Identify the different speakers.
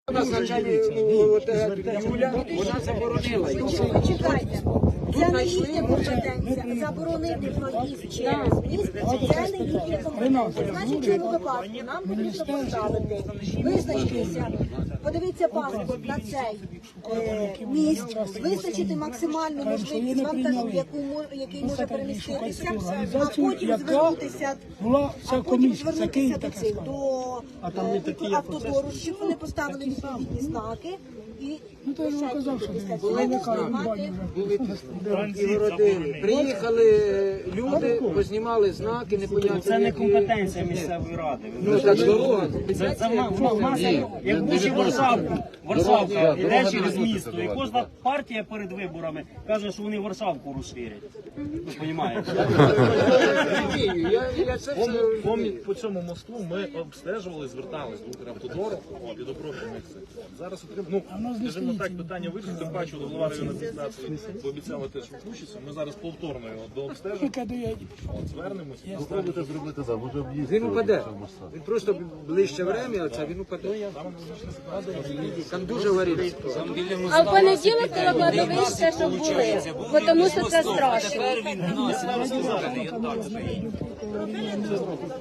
Speaker 1: У нас Юля, вона заборонила.
Speaker 2: Почекайте, це не їхня компетенція. Заборонити проїзд через міст, це не їхня компетенція. Значить, в цьому випадку нам потрібно поставити, визначитися, подивитися паспорт на цей міст, визначити максимальну можливість вантажу, який може переміститися, а потім звернутися до цих, до автодору, щоб вони поставили відповідні знаки. І
Speaker 1: приїхали люди, познімали знаки, непонятно.
Speaker 3: Це не компетенція місцевої ради.
Speaker 1: Ну, так дорога.
Speaker 3: Це маса, як будь Варшавка йде через місто. І кожна партія перед виборами каже, що вони Варшавку розширять. Ви розумієте?
Speaker 4: По цьому мосту ми обстежували, звертались до Укравтодору і до профільних цих. Зараз отримали, скажімо так, питання вирішено, тим паче голова районної адміністрації пообіцяла теж включитися. Ми зараз повторно його дообстежимо, звернемось.
Speaker 5: Спробуйте зробити так, може об'їзд.
Speaker 1: Він упаде. Він просто ближче время, а він упаде. Там дуже аварійна ситуація.
Speaker 6: А в понеділок коло кладовища, щоб були, бо тому що це страшно.